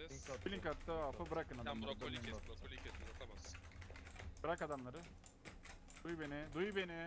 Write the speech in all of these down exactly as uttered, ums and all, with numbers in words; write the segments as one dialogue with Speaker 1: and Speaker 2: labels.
Speaker 1: Des.
Speaker 2: Blink attı, afı bırakın
Speaker 1: Sen
Speaker 2: adamları.
Speaker 1: brokoli
Speaker 2: dönmeyin
Speaker 1: kes,
Speaker 2: bak.
Speaker 1: brokoli kes, atamazsın.
Speaker 2: Bırak adamları. Duy beni, duy beni.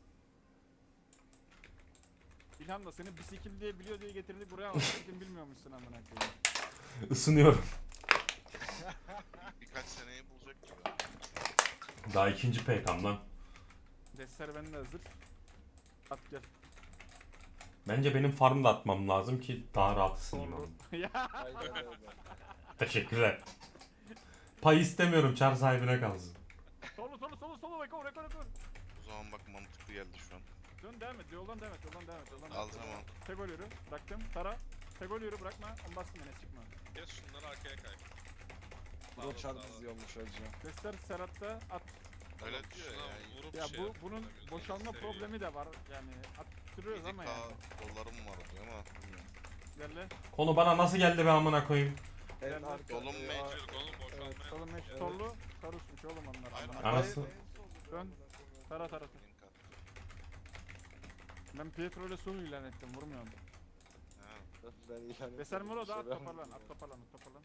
Speaker 2: İlhan da seni bisikil diye biliyor diye getirdik buraya ama bisikil bilmiyormuşsun amına koyayım.
Speaker 3: Isınıyorum.
Speaker 4: Birkaç seneyi bulacak gibi.
Speaker 3: Daha ikinci P K'm lan.
Speaker 2: Destler bende hazır. At gel.
Speaker 3: Bence benim farm da atmam lazım ki daha rahat ısınayım.
Speaker 2: Doğru.
Speaker 3: oğlum.
Speaker 2: Ya
Speaker 5: Aynen öyle.
Speaker 3: Teşekkürler. Pay istemiyorum, çar sahibine kalsın.
Speaker 2: solu solu solu solu rekor rekor rekor.
Speaker 4: O zaman bak mantıklı geldi şu an.
Speaker 2: Dön devam et, yoldan devam et, yoldan devam et, yoldan devam
Speaker 4: Al
Speaker 2: et.
Speaker 4: tamam.
Speaker 2: Tegol yürü, bıraktım. Tara. Tegol yürü, bırakma. On bastım yine, çıkma.
Speaker 1: Kes şunları arkaya kay.
Speaker 5: Bu da çar diziyormuş hacı.
Speaker 2: Destler Serhat'ta at.
Speaker 4: Öyle
Speaker 1: Tamam,
Speaker 4: diyor
Speaker 1: şuna
Speaker 4: ya.
Speaker 1: vurup
Speaker 2: Ya
Speaker 1: şey
Speaker 2: bu
Speaker 1: yap,
Speaker 2: bunun
Speaker 1: gözünü
Speaker 2: boşalma
Speaker 1: seveyim.
Speaker 2: problemi de var. Yani attırıyoruz ama yani.
Speaker 4: dolarım var diyor ama bilmiyorum.
Speaker 2: Gel.
Speaker 3: Konu bana nasıl geldi be amına koyayım?
Speaker 5: En
Speaker 2: Gel lan.
Speaker 5: arka.
Speaker 4: Yolun
Speaker 5: e,
Speaker 4: mecbur.
Speaker 1: Çocuk oğlum
Speaker 5: Evet.
Speaker 1: boşalmaya.
Speaker 2: Solun meş
Speaker 5: Evet.
Speaker 2: torlu. Karusmuş oğlum onlar.
Speaker 4: Aynen.
Speaker 2: amına.
Speaker 3: Anası.
Speaker 2: Dön. Tara tara.
Speaker 4: Link at.
Speaker 2: Ben Pietro ile solo ilan ettim, vurmuyorum.
Speaker 4: Ha.
Speaker 5: Ben ilan
Speaker 2: Veser
Speaker 5: etmedim,
Speaker 2: Muro da
Speaker 5: bir
Speaker 2: at
Speaker 5: şey
Speaker 2: toparlan,
Speaker 5: vermedim.
Speaker 2: at toparlan, at toparlan.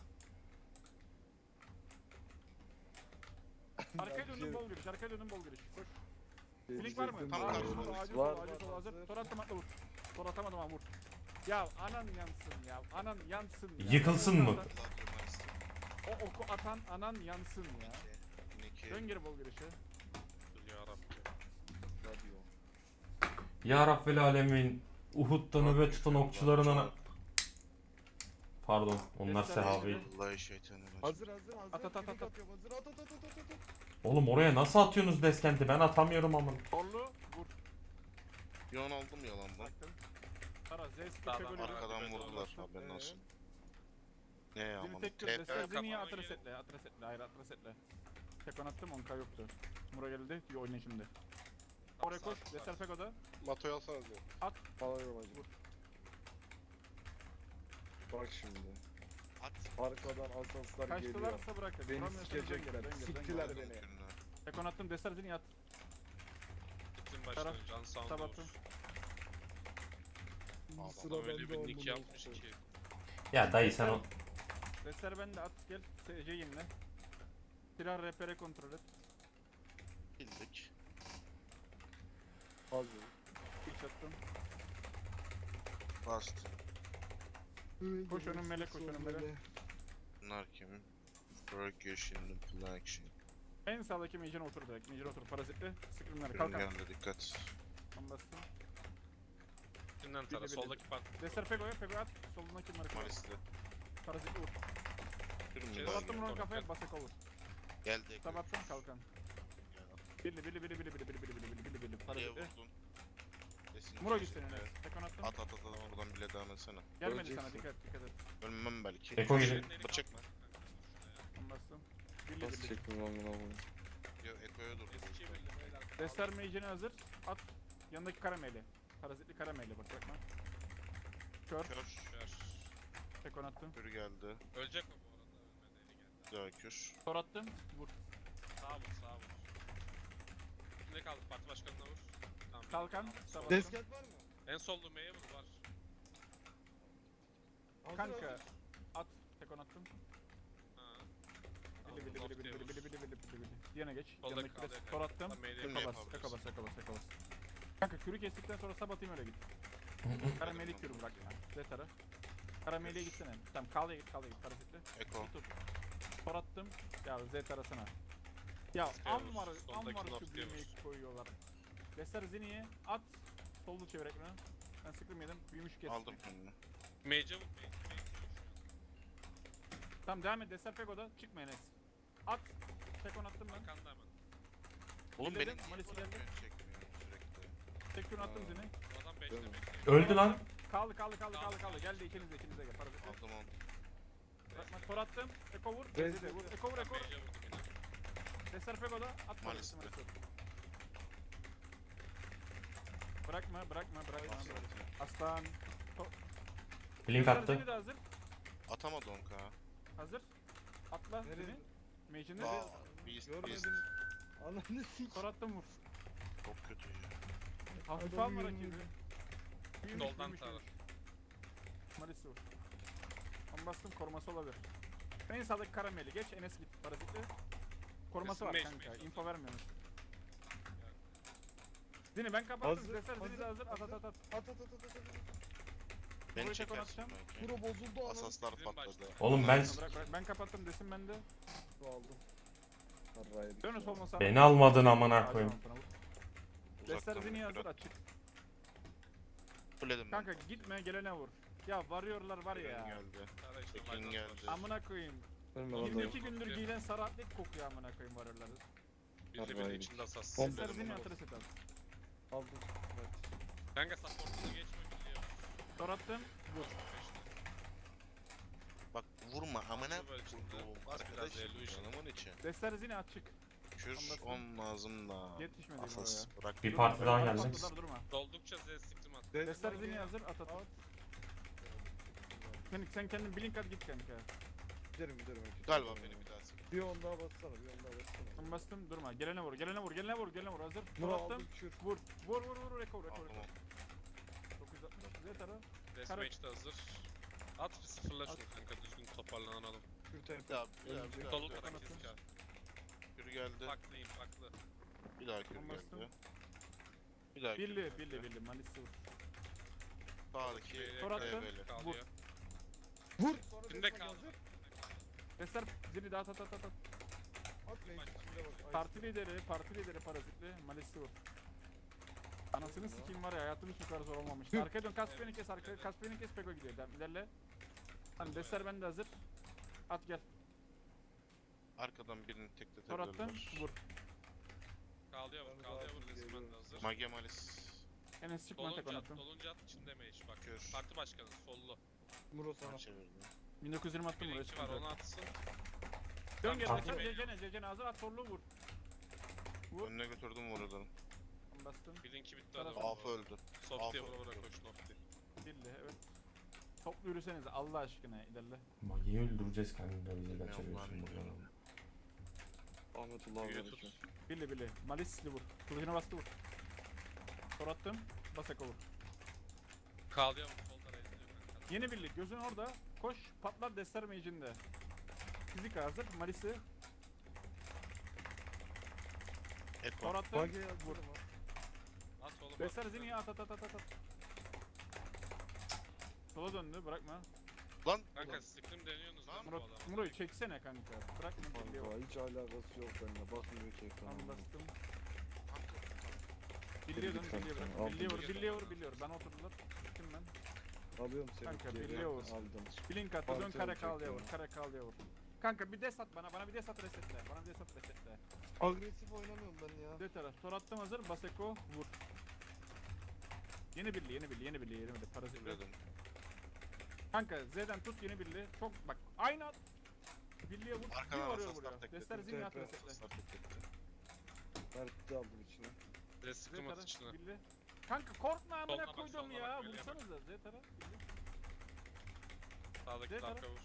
Speaker 2: Arkaya dönün bol giriş, arkaya dönün bol giriş. Koş. Blink var mı?
Speaker 5: Gezdirdim
Speaker 4: Tam
Speaker 5: ben.
Speaker 2: Acil
Speaker 4: karşımda.
Speaker 2: sol, acil
Speaker 5: Var,
Speaker 2: sol, acil
Speaker 5: var,
Speaker 2: sol hazır.
Speaker 5: hazır.
Speaker 2: Tor atamadım ama vur. Tor atamadım ama vur. Ya anan yansın ya, anan yansın ya.
Speaker 3: Yıkılsın mı?
Speaker 4: Gladio Master.
Speaker 2: O oku atan anan yansın ya.
Speaker 4: iki.
Speaker 2: Dön geri bol girişe.
Speaker 1: Yarabbim.
Speaker 5: Radyo.
Speaker 3: Ya Rabbel Alemin, Uhud'da nöbet tutan okçularına... Pardon, onlar
Speaker 2: Göster
Speaker 3: sehabi.
Speaker 2: beni.
Speaker 4: Vallahi şeytanı
Speaker 5: Hazır hazır hazır.
Speaker 2: At, at, at,
Speaker 5: Blink
Speaker 2: at.
Speaker 5: atıyorum, hazır. At at at at at at.
Speaker 3: Oğlum oraya nasıl atıyorsunuz deskenti? Ben atamıyorum amına.
Speaker 2: Torlu vur.
Speaker 4: Yon aldım yalandan.
Speaker 2: Baktım. Tara Zeus
Speaker 1: Sağdan,
Speaker 2: köke golü.
Speaker 4: Arkadan
Speaker 1: Evet,
Speaker 4: vurdular
Speaker 2: bastım.
Speaker 4: haberin
Speaker 5: Ee?
Speaker 4: olsun. Ne ya
Speaker 2: Zini
Speaker 4: aman.
Speaker 2: tek kır,
Speaker 4: T P.
Speaker 2: Destel Zini'ye
Speaker 1: kapağı
Speaker 2: atres
Speaker 1: yiyelim.
Speaker 2: etle, atres etle, hayır atres etle. Tek on attım, on K yoktu. Mura geldi, diyor oyna şimdi. Oraya koş, Destel Fego'da.
Speaker 5: Mato'yu alsana diyor.
Speaker 2: At.
Speaker 5: Alıyorum hacı. Bak şimdi.
Speaker 4: At.
Speaker 5: Arkadan asanslar geliyor.
Speaker 2: Kaçtılarsa bırakın.
Speaker 5: Beni
Speaker 2: vuramıyorsanız dön
Speaker 5: sikecekler,
Speaker 2: geri, dön geri, dön geri.
Speaker 5: siktiler
Speaker 4: Aldım
Speaker 5: beni.
Speaker 4: kürünü.
Speaker 2: Tek on attım, Destel Zini'ye at.
Speaker 1: Gittin
Speaker 2: Taraf,
Speaker 1: başına can sağında
Speaker 2: sabattım.
Speaker 1: olur.
Speaker 5: Sıra
Speaker 1: Adam öyle
Speaker 5: bende
Speaker 1: bir
Speaker 5: oldu,
Speaker 1: nick yapmış
Speaker 5: neyse.
Speaker 1: ki.
Speaker 3: Ya dayı sen o...
Speaker 2: Destel bende at, gel. S C yinle. Silah rehbere kontrol et.
Speaker 4: Bildik.
Speaker 5: Hazır.
Speaker 2: İlk attım.
Speaker 4: Bastım.
Speaker 2: Koş önüm melek, koş önüm melek.
Speaker 4: Bunlar kim? Work your shit in full action.
Speaker 2: En sağdaki mage'ine otur direkt. Mage'ine otur, parazitli. Scream'ler,
Speaker 4: Kürün
Speaker 2: kalkan.
Speaker 4: geldi dikkat.
Speaker 2: On bastım.
Speaker 1: Üstünden tara,
Speaker 2: Bir de bir de-
Speaker 1: soldaki part.
Speaker 2: Destel Fego'ya, Fego at. Solundaki marka.
Speaker 4: Malisli.
Speaker 2: Parazitli vur.
Speaker 4: Kürün
Speaker 1: Şey,
Speaker 4: geldi.
Speaker 2: Sabattım Muro'nun
Speaker 1: Tamam,
Speaker 2: kafaya,
Speaker 1: gel.
Speaker 2: basak olur.
Speaker 4: Geldi.
Speaker 2: Sabattım kalkan. Birli birli birli birli birli birli birli birli birli birli birli
Speaker 4: Niye
Speaker 2: parazitli.
Speaker 4: vurdun? Desin
Speaker 2: Muro
Speaker 4: ki-
Speaker 2: gitsin Enes. Tek on attım.
Speaker 4: At at at at oradan bile devam etsene.
Speaker 2: Gelmedi
Speaker 5: Öleceksin.
Speaker 2: sana, dikkat dikkat et.
Speaker 4: Ölmem belki.
Speaker 3: Eko gidin.
Speaker 4: Bıçak.
Speaker 2: On bastım. Birli
Speaker 5: Nasıl
Speaker 2: birli.
Speaker 5: çektim lan bunu oğlum?
Speaker 4: Yo Eko'ya dur.
Speaker 1: Eski belli beyler.
Speaker 2: Destar mage'ine hazır. At. Yanındaki karameli. Parazitli karameli bak bakma. Kör.
Speaker 4: Kör.
Speaker 1: Kör.
Speaker 2: Tek on attım.
Speaker 4: Kür geldi.
Speaker 1: Ölecek mi bu arada? Ölmedi, eli geldi.
Speaker 4: Bir daha kür.
Speaker 2: Tor attım. Vur.
Speaker 1: Sağa vur, sağa vur. Ne kaldı? Parti başkanına vur. Tamam.
Speaker 2: Kalkan.
Speaker 1: Sol.
Speaker 2: Sabattım.
Speaker 5: Desket var mı?
Speaker 1: En sollu M'ye vur var.
Speaker 5: Hazır,
Speaker 2: Kanka.
Speaker 5: hazır.
Speaker 2: At. Tek on attım.
Speaker 1: Ha.
Speaker 2: Bili bili bili bili bili bili bili bili bili bili. Diğerine geç.
Speaker 1: Soldaki
Speaker 2: Yanındaki
Speaker 1: kaldı,
Speaker 2: de
Speaker 1: evet.
Speaker 2: tor attım.
Speaker 1: Tam M'ye
Speaker 4: Kür
Speaker 2: Eko
Speaker 4: ne
Speaker 2: bas.
Speaker 4: yapabiliriz?
Speaker 2: Eko bas. Eko bas. Eko bas. Kanka kürü kestikten sonra sabatayım öyle git. Karameli kürü bırak ya. Zetarı. Karameli'ye gitsene. Tamam kalya git kalya git. Parazitli.
Speaker 4: Eko.
Speaker 2: Tut. Tor attım. Ya Z arasına. Ya am var, am
Speaker 1: Soldaki
Speaker 2: var şu
Speaker 1: laf
Speaker 2: büyümeyi
Speaker 1: diyormuş.
Speaker 2: koyuyorlar. Destar Zini'ye at. Sollu çevir ekranı. Ben sıkım yedim. Büyümüş kestim.
Speaker 4: Aldım kürünü.
Speaker 1: M'ye vur, M'ye vur.
Speaker 2: Tamam devam et. Destar Pego'da. Çıkma Enes. At. Tek on attım ben.
Speaker 1: Arkanda hemen.
Speaker 4: Oğlum
Speaker 2: Dinledim,
Speaker 4: benim niye
Speaker 2: Malis'i
Speaker 4: bu
Speaker 2: geldi.
Speaker 4: kadar çekmiyor sürekli?
Speaker 2: Tek kürünü attım
Speaker 5: Aa.
Speaker 2: Zini.
Speaker 1: Bu adam
Speaker 5: Değil mi?
Speaker 1: beşte bekliyor.
Speaker 3: Öldü lan.
Speaker 2: Kaldı kaldı kaldı kaldı kaldı. Geldi ikiniz de ikiniz de gel. Parazitli.
Speaker 4: Aldım onu.
Speaker 2: Bırakma. Tor attım. Eko vur.
Speaker 5: Rez-
Speaker 2: Zede vur. Eko vur Eko.
Speaker 1: M'ye vurdum yine.
Speaker 2: Destar Pego'da. At
Speaker 4: Malis'te.
Speaker 2: Parazitli. Bırakma bırakma bırakma. Aslan.
Speaker 3: Blink
Speaker 2: Destar
Speaker 3: attı.
Speaker 2: Zini de hazır.
Speaker 4: Atamadı on K.
Speaker 2: Hazır. Atla
Speaker 5: Nereye?
Speaker 2: Zini. Mage'ini.
Speaker 4: Aa, Beast Beast.
Speaker 5: Görmedim. Ananı sik.
Speaker 2: Tor attım vur.
Speaker 4: Çok kötü ya.
Speaker 2: Hafif
Speaker 5: Adam
Speaker 2: alma
Speaker 5: yürümüyor.
Speaker 2: rakibi. Büyümüş,
Speaker 1: Soldan
Speaker 2: büyümüş,
Speaker 1: tara.
Speaker 2: büyümüş. Malisi vur. Ben bastım koruması olabilir. En sağdaki karameli geç. Enes git. Parazitli. Koruması var
Speaker 1: Resim
Speaker 2: kanka.
Speaker 1: mecbur.
Speaker 2: Info vermiyorsunuz. Zini ben kapattım.
Speaker 5: Hazır,
Speaker 2: Deser Zini de hazır.
Speaker 5: hazır,
Speaker 2: At at at at.
Speaker 5: At at at at at.
Speaker 4: Beni
Speaker 2: Burayı tek
Speaker 4: çekersin
Speaker 2: atacağım.
Speaker 4: belki.
Speaker 5: Bura bozuldu anam.
Speaker 4: Asaslar
Speaker 1: Bizim
Speaker 4: patladı.
Speaker 1: başta.
Speaker 3: Oğlum ben
Speaker 2: Bırak bırak. Ben kapattım desin bende.
Speaker 5: Su aldım. Harraya dik
Speaker 2: Dönüş
Speaker 5: ya.
Speaker 2: olmasa.
Speaker 3: beni almadın amına koyayım.
Speaker 2: Deser
Speaker 4: Uzaktan
Speaker 2: Zini
Speaker 4: bir
Speaker 2: hazır
Speaker 4: kral.
Speaker 2: açık.
Speaker 4: Fulledim ben.
Speaker 2: Kanka gitme gelene vur. Ya varıyorlar var
Speaker 4: Tekin
Speaker 2: ya.
Speaker 4: geldi.
Speaker 1: Ara işte
Speaker 4: Tekin
Speaker 1: Maydanoz
Speaker 4: geldi.
Speaker 1: var.
Speaker 2: Amına koyayım.
Speaker 5: Ölme lan
Speaker 2: yirmi
Speaker 5: dayı.
Speaker 2: iki gündür giyilen sarı atlet kokuyor amına koyayım varyorlar.
Speaker 1: Birli birli
Speaker 5: Harraydı.
Speaker 1: içinde asas.
Speaker 5: Bom-
Speaker 2: Deser
Speaker 4: Fulledim
Speaker 2: Zini
Speaker 4: onu.
Speaker 2: hatırı set al.
Speaker 5: Aldım. Evet.
Speaker 1: Kanka support'unu geçme biliyor.
Speaker 2: Tor attım. Vur.
Speaker 4: Bak vurma amına
Speaker 1: Böyle içinde.
Speaker 4: vurduğum
Speaker 1: Bas biraz
Speaker 4: arkadaş
Speaker 1: Illusion.
Speaker 4: canımın içi.
Speaker 2: Deser Zini açık.
Speaker 4: Kür
Speaker 2: Anlasın.
Speaker 4: olmazım da.
Speaker 2: Yetişmedi
Speaker 4: Asas bırak.
Speaker 3: Bir
Speaker 2: Durma,
Speaker 3: parti daha
Speaker 2: durma,
Speaker 3: geldi.
Speaker 2: patladılar, durma.
Speaker 1: Doldukça Z siktim at.
Speaker 2: Deser Zini hazır at at. Sen, sen kendin blink at git kanka.
Speaker 5: Giderim giderim.
Speaker 4: Galiba beni bir daha sık.
Speaker 5: Bir on daha bassana bir on daha bassana.
Speaker 2: Ben bastım durma. Gelene vur, gelene vur, gelene vur, gelene vur. Hazır.
Speaker 5: Bunu
Speaker 2: Tor attım.
Speaker 5: aldım kür.
Speaker 2: Vur. Vur vur vur. Reko reko
Speaker 4: Aldım
Speaker 2: reko.
Speaker 4: onu.
Speaker 2: dokuz yüz altmış. Z tara.
Speaker 1: Deathmatch de hazır. At bir sıfırla şunu kanka düzgün toparlanalım.
Speaker 5: Kür
Speaker 4: Bir
Speaker 5: tempo.
Speaker 4: daha bir daha
Speaker 5: Önce-
Speaker 4: bir daha.
Speaker 1: Dolu
Speaker 4: bir daha.
Speaker 1: kadar kezik abi.
Speaker 4: Kür geldi.
Speaker 1: Farklıyım farklı.
Speaker 4: Bir daha kür
Speaker 2: Ben bastım.
Speaker 4: geldi. Bir daha kür
Speaker 2: Billi,
Speaker 4: geldi.
Speaker 2: billi, billi. Malisi vur.
Speaker 4: Sağdaki
Speaker 2: Tor attım.
Speaker 4: develi.
Speaker 1: Kalıyor.
Speaker 5: Vur. Sonra
Speaker 1: Kimde
Speaker 5: destek
Speaker 1: kaldı?
Speaker 5: hazır.
Speaker 2: Deser Zini de at at at at. at.
Speaker 5: At meclis içinde bak. Ay,
Speaker 2: Parti lideri, parti lideri parazitli. Malisi vur. Anasını sikeyim var ya hayatım hiç bu kadar zor olmamış. Arkaya dön Kaspiyen'i kes arkaya. Kaspiyen'i kes Peko gidiyor. Devam ilerle. Hani Deser bende hazır. At gel.
Speaker 4: Arkadan birini
Speaker 2: Tor attım.
Speaker 4: tekletebilirler.
Speaker 2: Vur.
Speaker 1: Kalıyor vur, kalıyor vur. Resmen de hazır.
Speaker 4: Mage Malis.
Speaker 2: Enes çıkma tek
Speaker 1: Dolunca
Speaker 2: attım.
Speaker 1: at, dolunca at içinde mage bak.
Speaker 4: Kür.
Speaker 1: Parti başkanı sollu.
Speaker 5: Muro sana.
Speaker 4: Çevirdim.
Speaker 2: bin dokuz yüz yirmi attım buraya
Speaker 1: Bilinki var
Speaker 2: çıkınca.
Speaker 1: onu atsın.
Speaker 2: Dön geri
Speaker 1: Tamam.
Speaker 2: Deser Cecene Cecene hazır at sorulu vur. Vur.
Speaker 4: Önüne götürdüm vuradan.
Speaker 2: Ben bastım.
Speaker 1: Bilinki bitti
Speaker 2: Taraf-
Speaker 1: adam.
Speaker 4: Afı öldü.
Speaker 1: Softy'ye
Speaker 4: Afı.
Speaker 1: vura vura koş Nofty.
Speaker 2: Billi evet. Toplu yürüsenize Allah aşkına ilerle.
Speaker 3: Magi'yi öldüreceğiz kendini de bizi
Speaker 4: Bilmiyorum
Speaker 3: kaçırıyorsun
Speaker 4: ben
Speaker 3: buradan.
Speaker 4: bilmiyorum.
Speaker 5: Ahmetullah
Speaker 1: Büyüğü
Speaker 5: var
Speaker 1: tut.
Speaker 5: için.
Speaker 2: Billi billi. Malisli vur. Kılıcına bastı vur. Tor attım. Basako vur.
Speaker 1: Kalıyor vur. Solda reziliyor kanka.
Speaker 2: Yeni birlik gözün orada. Koş patlar Deser Mage'inde. Fizik hazır. Malisi.
Speaker 4: Eko.
Speaker 2: Tor attım.
Speaker 5: Bage ya
Speaker 2: Vur.
Speaker 5: vur.
Speaker 1: At oğlum.
Speaker 2: Deser
Speaker 1: at.
Speaker 2: Zini'ye at at at at at. Sola döndü bırakma.
Speaker 4: Lan.
Speaker 1: Kanka sıktım deniyorsunuz lan bu
Speaker 2: Murat,
Speaker 1: adamı.
Speaker 2: Muro'yu çeksene kanka. Bırakma birliği vur.
Speaker 5: Kanka hiç alakası yok benimle. Bakmıyor ki
Speaker 2: Tamam
Speaker 5: ekrana.
Speaker 2: bastım.
Speaker 4: Kanka.
Speaker 2: Birliğe dön
Speaker 5: Birlik
Speaker 2: birliğe
Speaker 5: kanka,
Speaker 2: bırak.
Speaker 5: aldım.
Speaker 2: Birliğe vur
Speaker 1: Birliğe
Speaker 2: birliğe
Speaker 1: dön.
Speaker 2: vur birliğe vur. Ben oturdular. Gittim ben.
Speaker 5: Alıyorum seni.
Speaker 2: Kanka,
Speaker 5: geri.
Speaker 2: birliğe vur.
Speaker 5: Aldım.
Speaker 2: Blink attı dön
Speaker 5: Parti
Speaker 2: kare
Speaker 5: olacak
Speaker 2: kal diye
Speaker 5: ya.
Speaker 2: vur. Kare kal diye vur. Kanka bir des at bana. Bana bir des at resetle. Bana bir des at resetle.
Speaker 5: Agresif oynamıyorum ben ya.
Speaker 2: De taraf. Tor attım hazır. Baseko vur. Yeni birliği yeni birliği yeni birliği yeni birliği. Parazit.
Speaker 4: Fulledim.
Speaker 2: Kanka Z'den tut yeni birliği. Çok bak aynı at. Birliğe vur. Bir
Speaker 4: Arkadan
Speaker 2: varıyor
Speaker 4: asaslar
Speaker 2: buraya.
Speaker 4: tekledim.
Speaker 2: Destler zilini at
Speaker 5: T P.
Speaker 2: resetle.
Speaker 4: Asaslar tekletti.
Speaker 5: Mert'i aldım içine.
Speaker 1: Z
Speaker 2: Z
Speaker 1: sıktım at
Speaker 2: taraf
Speaker 1: içine.
Speaker 2: birliği. Kanka korkma amına
Speaker 1: Soluna bak,
Speaker 2: koydum
Speaker 1: soluna
Speaker 2: ya.
Speaker 1: bak, birliğe bak.
Speaker 2: Vursanıza Z taraf. birliği.
Speaker 1: Sağdaki
Speaker 2: Z taraf.
Speaker 1: arka vur.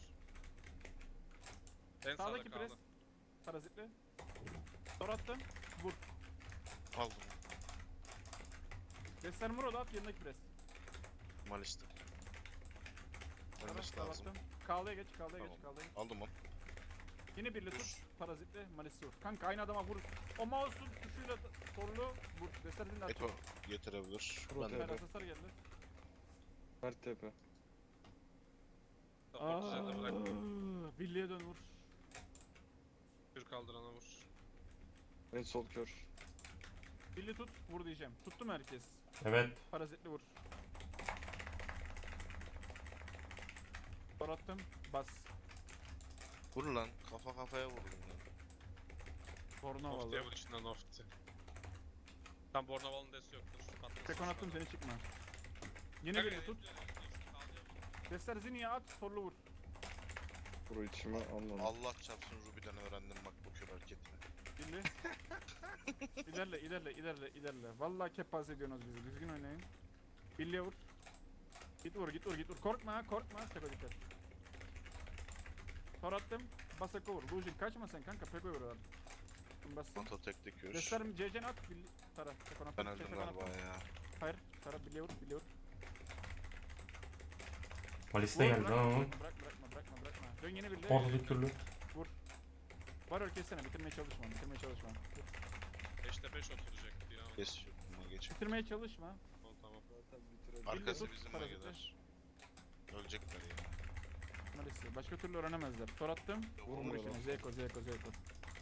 Speaker 1: En sağda
Speaker 2: Sağdaki pres.
Speaker 1: kaldı.
Speaker 2: Parazitli. Tor attım. Vur.
Speaker 4: Aldım.
Speaker 2: Destler Muro da at yanındaki pres.
Speaker 4: Malis'te.
Speaker 2: Taraf,
Speaker 4: Ölmesi
Speaker 2: tor
Speaker 4: lazım.
Speaker 2: attım. Kağlaya geç, kağlaya
Speaker 4: Tamam.
Speaker 2: geç, kağlaya geç.
Speaker 4: Aldım onu.
Speaker 2: Yine birli
Speaker 4: Dur.
Speaker 2: tut. Parazitli, malisi vur. Kanka aynı adama vur. O mouse'un tuşuyla da- torlu vur. Destler zilini at.
Speaker 4: Eko getirebilir.
Speaker 5: Pro
Speaker 4: Ben de
Speaker 5: T P.
Speaker 2: Süper asaslar geldi.
Speaker 5: Mert tepe.
Speaker 1: Support üzerinde bırak.
Speaker 2: Birliğe dön vur.
Speaker 1: Kür kaldırana vur.
Speaker 5: En sol kör.
Speaker 2: Birli tut, vur diyeceğim. Tuttu mu herkes?
Speaker 3: Evet.
Speaker 2: Parazitli vur. Tor attım, bas.
Speaker 4: Vur lan. Kafa kafaya vurdum lan.
Speaker 2: Torna
Speaker 1: Nofty'ye
Speaker 2: vallahi.
Speaker 1: vur içinden Nofty. Tam Bornaval'ın desi yoktur. Patlasın
Speaker 2: Tekon
Speaker 1: şu
Speaker 2: attım
Speaker 1: adam.
Speaker 2: seni çıkma. Yine
Speaker 1: Kanka,
Speaker 2: birli tut.
Speaker 1: reziliyor, reziliyor. Kalıyor vur.
Speaker 2: Destler ziniye at, torlu vur.
Speaker 5: Pro içime anladım.
Speaker 4: Allah çarpsın Ruby'den öğrendim bak bu kür hareketini.
Speaker 2: Birli. ilerle, ilerle, ilerle, ilerle. Vallahi kepaze ediyorsunuz bizi. Düzgün oynayın. Birliğe vur. Git vur, git vur, git vur. Korkma ha, korkma. Peko dikkat. Tor attım. Basako vur. Lujin kaçma sen kanka. Peko'yu vur abi. Bastım.
Speaker 4: Oto tekli kür.
Speaker 2: Destlerim C C'ni at. Birli. Tara. Tekon attım.
Speaker 4: Ben öldüm
Speaker 2: Tekon
Speaker 4: galiba
Speaker 2: attım.
Speaker 4: ya.
Speaker 2: Hayır. Tara birliğe vur, birliğe vur.
Speaker 3: Malis'te
Speaker 2: Vur,
Speaker 3: geldi
Speaker 2: bırakma,
Speaker 3: lan oğlum.
Speaker 2: Bırakma, bırakma, bırakma, Dön yeni birli.
Speaker 3: Ortadaki türlü.
Speaker 2: Var öl kessene bitirmeye çalışma bitirmeye çalışma. Vur.
Speaker 1: beşte beş oturacak. Dinamo.
Speaker 4: Kes yok buna geç.
Speaker 2: Bitirmeye çalışma.
Speaker 1: Tamam tamam.
Speaker 5: Zaten bitirelim.
Speaker 4: Arkası
Speaker 2: tut,
Speaker 4: bizim
Speaker 2: parazitli.
Speaker 4: mageler. Ölecekler ya.
Speaker 2: Malisi. Başka türlü öğrenemezler. Tor attım. Vur
Speaker 5: Vurmuyor
Speaker 2: işini.
Speaker 5: lan.
Speaker 2: Zeko Zeko Zeko.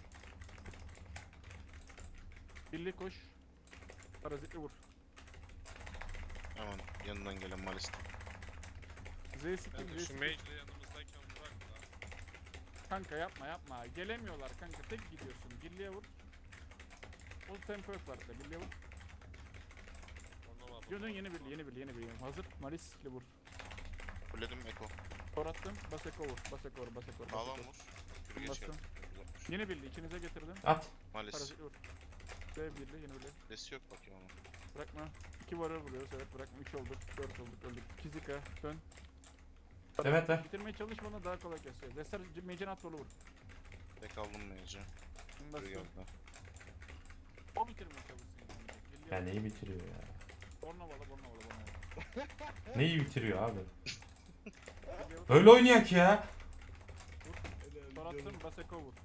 Speaker 2: Birli koş. Parazitli vur.
Speaker 4: Hemen yanından gelen malist.
Speaker 2: Z siktim
Speaker 1: Kanka
Speaker 2: Z
Speaker 1: şu
Speaker 2: siktim.
Speaker 1: mage'le yanımızdayken bırak da.
Speaker 2: Kanka yapma yapma. Gelemiyorlar kanka. Tek gidiyorsun. Birliğe vur. O tempo yok var da. Birliğe vur.
Speaker 1: Ona var.
Speaker 2: Dön dön yeni birli yeni birli yeni birli. Hazır. Malisli vur.
Speaker 4: Fulledim Eko.
Speaker 2: Tor attım. Bas eko vur. Bas eko vur. Bas eko vur. Bas
Speaker 4: Sağlam
Speaker 2: eko.
Speaker 4: vur. Yürü geç
Speaker 2: Bastım.
Speaker 4: geldi.
Speaker 2: Yeni birli ikinize getirdim.
Speaker 3: At.
Speaker 4: Malist.
Speaker 2: Parazitli vur. Z birli yeni birli.
Speaker 4: Desi yok bakayım ama.
Speaker 2: Bırakma. İki varı vuruyoruz evet bırakma. Üç olduk. Dört olduk öldük. Kizika dön.
Speaker 3: Evet ver.
Speaker 2: Bitirmeye çalışmadan daha kolay keseceğiz. Deser mecen at vur.
Speaker 4: Tek aldım meyce. Yürü
Speaker 2: Bastım.
Speaker 4: geldi.
Speaker 2: O bitirmeye çalışsın. Yani.
Speaker 3: Ya neyi bitiriyor ya?
Speaker 2: Bornova la Bornova la Bornova.
Speaker 3: Neyi bitiriyor abi?
Speaker 2: Birliğe vur.
Speaker 3: Öyle oynayak ya.
Speaker 2: Tor attım. Bas eko vur.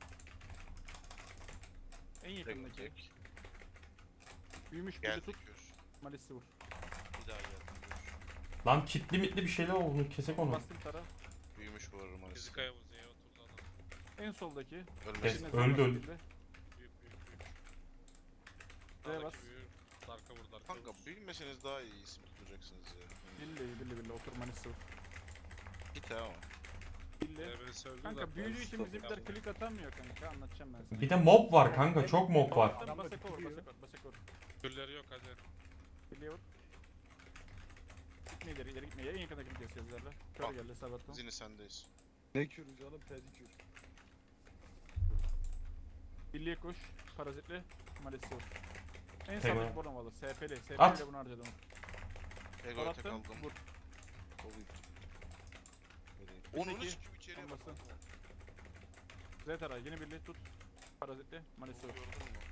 Speaker 2: En
Speaker 4: Tek
Speaker 2: yakındaki.
Speaker 4: tek.
Speaker 2: Büyümüş bir
Speaker 4: Geldi
Speaker 2: tut.
Speaker 4: kür.
Speaker 2: Malisi vur.
Speaker 4: Bir daha geldi kür.
Speaker 3: Lan kitli mitli bir şeyler oldu. Kesek onu.
Speaker 2: Bastım tara.
Speaker 4: Büyümüş bu arada malist.
Speaker 1: Fizikaya vur. Z'ye oturdu adam.
Speaker 2: En soldaki.
Speaker 3: Kes.
Speaker 4: Ölmesin.
Speaker 2: Yine
Speaker 3: öldü,
Speaker 2: Z
Speaker 3: öldü.
Speaker 2: bastı.
Speaker 1: Büyük büyük büyük.
Speaker 2: Z'ye bas.
Speaker 1: Sağdaki büyük. Darka vur darka
Speaker 4: Kanka
Speaker 1: vur.
Speaker 4: büyümeseniz daha iyi isim tutacaksınız ya.
Speaker 2: Billi billi billi otur Malisi vur.
Speaker 4: Git ha ama.
Speaker 2: Billi.
Speaker 1: Devre öldü
Speaker 2: Kanka
Speaker 1: da-
Speaker 2: büyüdüğü için
Speaker 1: Stop
Speaker 2: bizimkiler
Speaker 1: yapma.
Speaker 2: klik atamıyor kanka anlatacağım ben sana.
Speaker 3: Bir de mob var kanka. Çok mob var.
Speaker 2: Attım basek olur basek olur basek olur.
Speaker 1: Türleri yok hadi.
Speaker 2: Birliğe vur. Gitme ileri ileri gitme. En yakındakini keseceğiz zerre. Kör
Speaker 4: Al.
Speaker 2: geldi sabattım.
Speaker 4: Zini sendeyiz.
Speaker 5: Ne kürü canım pedikür.
Speaker 2: Birliğe koş. Parazitli. Malisi vur. En
Speaker 3: Tamam.
Speaker 2: sağdaki Bornovalı. S P'li. S
Speaker 3: At.
Speaker 2: P'li bunu harcadım.
Speaker 4: Ego'ya tek
Speaker 2: Attım.
Speaker 4: aldım.
Speaker 2: Vur.
Speaker 4: Onu
Speaker 2: Peki,
Speaker 4: sikim içeriye bak.
Speaker 2: olmasın. Z taray yine birliği tut. Parazitli. Malisi vur.
Speaker 4: Gördün mü?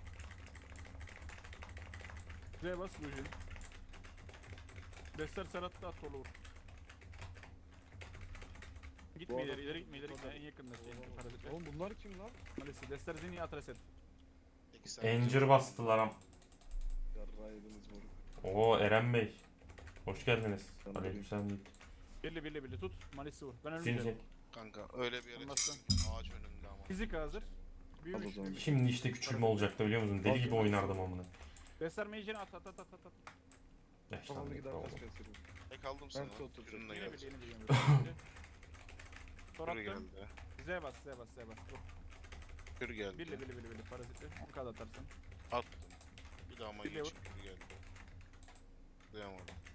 Speaker 2: Z bas Lujin. Dester Serhat'ta at solu vur. Gitme
Speaker 5: Bu
Speaker 2: ileri
Speaker 5: adam-
Speaker 2: ileri gitme ileri gitme en yakındaki en parazitli.
Speaker 5: Oğlum bunlar kim lan?
Speaker 2: Malisi. Dester Zini at reset.
Speaker 4: İki saniye.
Speaker 3: Encir bastılar am.
Speaker 5: Yarraydınız moruk.
Speaker 3: Oo Eren Bey. Hoş geldiniz.
Speaker 5: Ben de
Speaker 3: Aleykümselam.
Speaker 2: Birli birli birli tut. Malisi vur. Ben
Speaker 3: Zin
Speaker 2: ölmeyeceğim.
Speaker 3: zin.
Speaker 4: Kanka öyle bir yere
Speaker 2: Anlatsın.
Speaker 4: çıktım. Ağaç önünde ama.
Speaker 2: Fizik hazır. Büyümüş.
Speaker 5: Al o zaman.
Speaker 2: büyümüş.
Speaker 3: Şimdi işte küçülme olacaktı biliyor musun? Deli gibi oynardım amına.
Speaker 2: Dester Mage'ini at at at at at.
Speaker 5: Kafamda
Speaker 3: Yaşlandık
Speaker 5: gider
Speaker 3: be
Speaker 5: kaç
Speaker 3: oğlum.
Speaker 5: keserim.
Speaker 4: Tek aldım sana.
Speaker 5: Ben oturacağım.
Speaker 4: Kürün de
Speaker 2: Yine
Speaker 4: geldi.
Speaker 2: birli yine birli yine birli. Tor
Speaker 4: Kür
Speaker 2: attım.
Speaker 4: geldi.
Speaker 2: Z bas Z bas Z bas. Vur.
Speaker 4: Kür geldi.
Speaker 2: Birli birli birli birli parazitli. on kadar atarsın.
Speaker 4: Attım. Bir daha ama
Speaker 2: Birliğe
Speaker 4: geçip kür geldi. Duyamadım.